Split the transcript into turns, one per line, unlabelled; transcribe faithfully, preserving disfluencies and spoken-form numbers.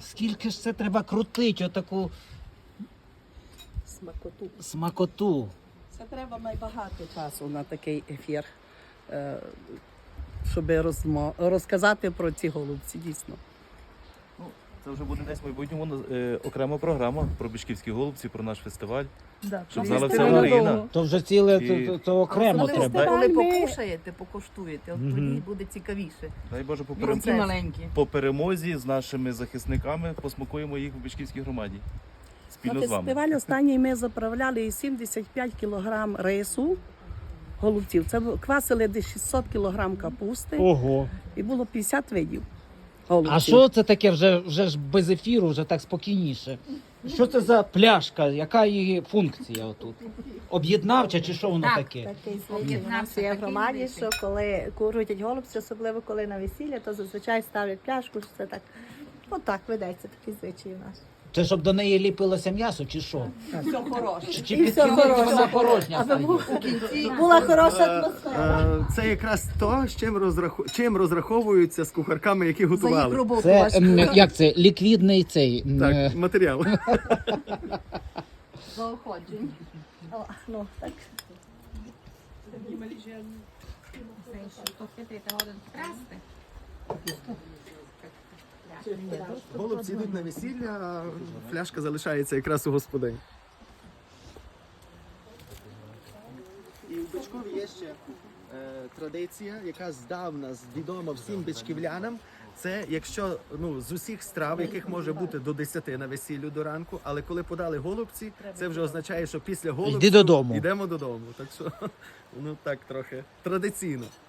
скільки ж це треба крутити, отаку
Смакоту.
смакоту.
Це треба найбагато часу на такий ефір, е, щоб розмо... розказати про ці голубці, дійсно.
Ну, це вже буде десь в майбутньому е, окрема програма про Бішківські голубці, про наш фестиваль.
Да,
Щоб
це
знала вся
фестиваль
Україна.
довго.
То вже ціле,
І-
то, то, то окремо
Коли
треба.
ви коли
Ми-
покушаєте, покуштуєте, от
Мгм.
тоді буде цікавіше.
Дай Боже, по,
І
перем...
такі маленькі.
по перемозі з нашими захисниками посмакуємо їх в Бішківській громаді. Спільно
На
з вами.
фестиваль останній ми заправляли сімдесят п'ять кілограм рису, голубців. Це бу- квасили десь шістсот кілограм капусти
Ого.
і було п'ятдесят видів голубців.
А що це таке вже, вже ж без ефіру, вже так спокійніше? Що це за пляшка? Яка її функція отут? Об'єднавча чи що воно таке?
Такий звичай у
Об'єднався,
нас є в
такий
громаді,
звичай.
що коли крутять голубці, особливо коли на весілля, то зазвичай ставлять пляшку, що це так, отак ведеться такий звичай у нас.
Це щоб до неї ліпилося м'ясо, чи що?
Все хороше.
Чи, чи
І
під
все
кінець
хороше.
вона порожня
Аби
стає?
був-
У кінці
була хороша атмосфера.
Е, Це якраз то, з чим, розраху... чим розраховуються з кухарками, які
за їх
готували.
роботу
Це
важко.
м, як це? Ліквідний цей. м, е,
Так, матеріал.
Заохочень.
О, ну, так.
Голубці йдуть на весілля, а фляшка залишається якраз у господині. І в Бичкові є ще е, традиція, яка здавна відома всім бичківлянам. Це якщо ну, з усіх страв, яких може бути до десяти на весіллю до ранку, але коли подали голубці, це вже означає, що після голубців
Йди додому.
йдемо додому. Так що воно так трохи традиційно.